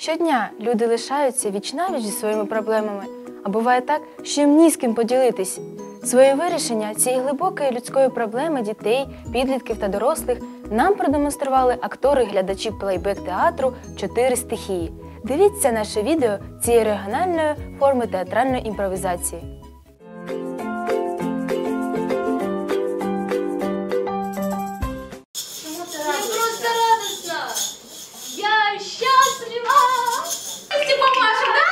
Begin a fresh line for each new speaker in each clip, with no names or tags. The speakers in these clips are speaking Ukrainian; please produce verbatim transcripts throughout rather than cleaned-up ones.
Щодня люди лишаються віч-навіч зі своїми проблемами, а буває так, що їм ні з ким поділитись. Своє вирішення цієї глибокої людської проблеми дітей, підлітків та дорослих нам продемонстрували актори і глядачі плейбек-театру «Чотири стихії». Дивіться наше відео цієї регіональної форми театральної імпровізації.
Я счастлива! Ты помашем, да?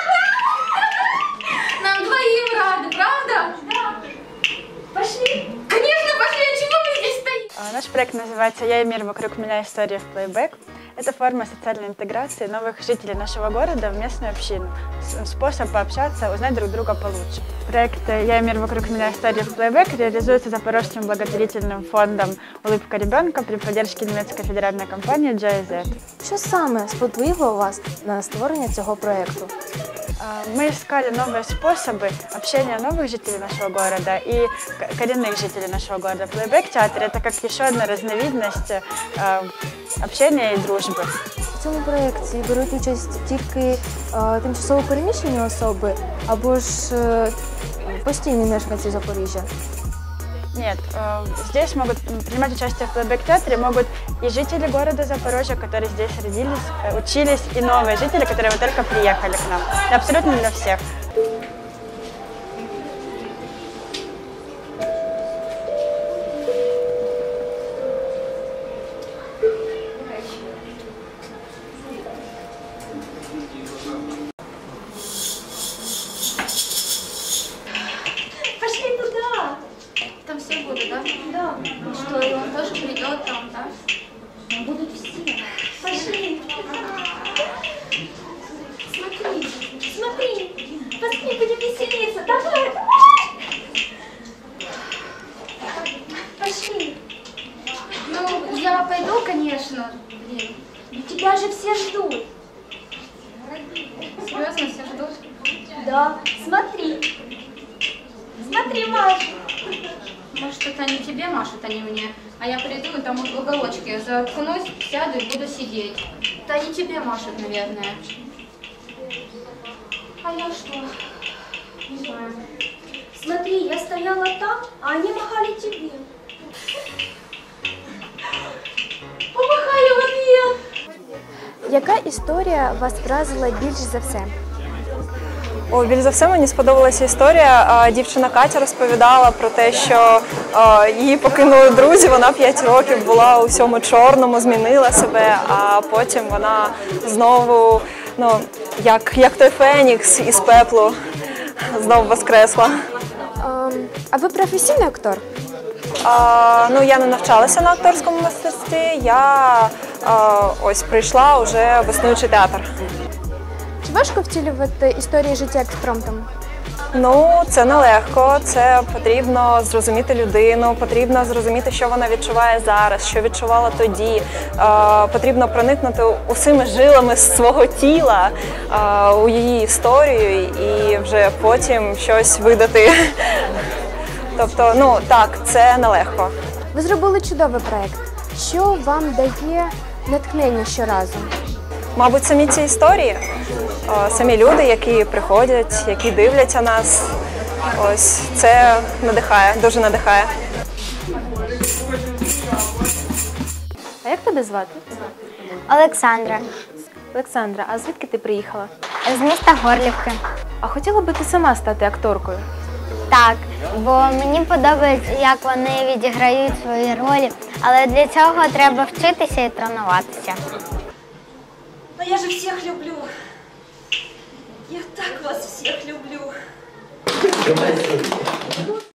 Нам двоим рады, правда? Да. Пошли. Конечно, пошли. А чего мы здесь стоим?
Наш проект называется «Я и мир вокруг меня. История в плейбэк». Это форма социальной интеграции новых жителей нашего города в местную общину. Способ пообщаться, узнать друг друга получше. Проект «Я и мир вокруг меня. История в плейбэк» реализуется Запорожским благотворительным фондом «Улыбка ребенка» при поддержке немецкой федеральной компании джей ай зет.
Що саме сподвигло вас на створення цього проєкту?
Мы искали новые способы общения новых жителей нашего города и коренных жителей нашего города. Плейбэк-театр – это как еще одна разновидность общения и дружбы.
В цьому проєкті беруть участь тільки е, тимчасово переміщені особи або ж е, постійні мешканці Запоріжжя?
Нет, здесь могут принимать участие в плейбэк-театре могут и жители города Запорожья, которые здесь родились, учились, и новые жители, которые вот только приехали к нам. Это абсолютно для всех.
Пошли туда. Там все будут, да? Да. И что, и он тоже придет там, да? Там будут все. Пошли. Смотри, смотри. Пошли, будем веселиться. Давай, пошли. Ну, я пойду, конечно. Блин. Но тебя же все ждут. Серьезно, все ждут? Да. Смотри. Смотри, Маша. Может, это они тебе машут, а не мне. А я приду, и там вот в уголочке я заткнусь, сяду и буду сидеть. Это они тебе машут, наверное. А я что? Не знаю.
Смотри, я стояла там, а они махали тебе.
Помахали в ответ.
Яка історія вас вразила більш за все?
О, більш за все мені сподобалася історія. Дівчина Катя розповідала про те, що її покинули друзі, вона п'ять років була у всьому чорному, змінила себе, а потім вона знову, ну, як, як той фенікс із пеплу, знову воскресла.
А, а ви професійний актор?
А, ну, я не навчалася на акторському мистецтві, я а, ось прийшла вже в існуючий театр.
Чи важко втілювати історії життя експромтом?
Ну, це нелегко, це потрібно зрозуміти людину, потрібно зрозуміти, що вона відчуває зараз, що відчувала тоді. Е, потрібно проникнути усіми жилами свого тіла е, у її історію і вже потім щось видати. Тобто, ну, так, це нелегко.
Ви зробили чудовий проєкт. Що вам дає натхнення щоразу?
Мабуть, самі ці історії, самі люди, які приходять, які дивляться нас, ось це надихає, дуже надихає.
А як тебе звати?
Олександра.
Олександра, а звідки ти приїхала?
З міста Горлівки.
А хотіла би ти сама стати акторкою?
Так, бо мені подобається, як вони відіграють свої ролі, але для цього треба вчитися і тренуватися.
Но я же всех люблю. Я так вас всех люблю.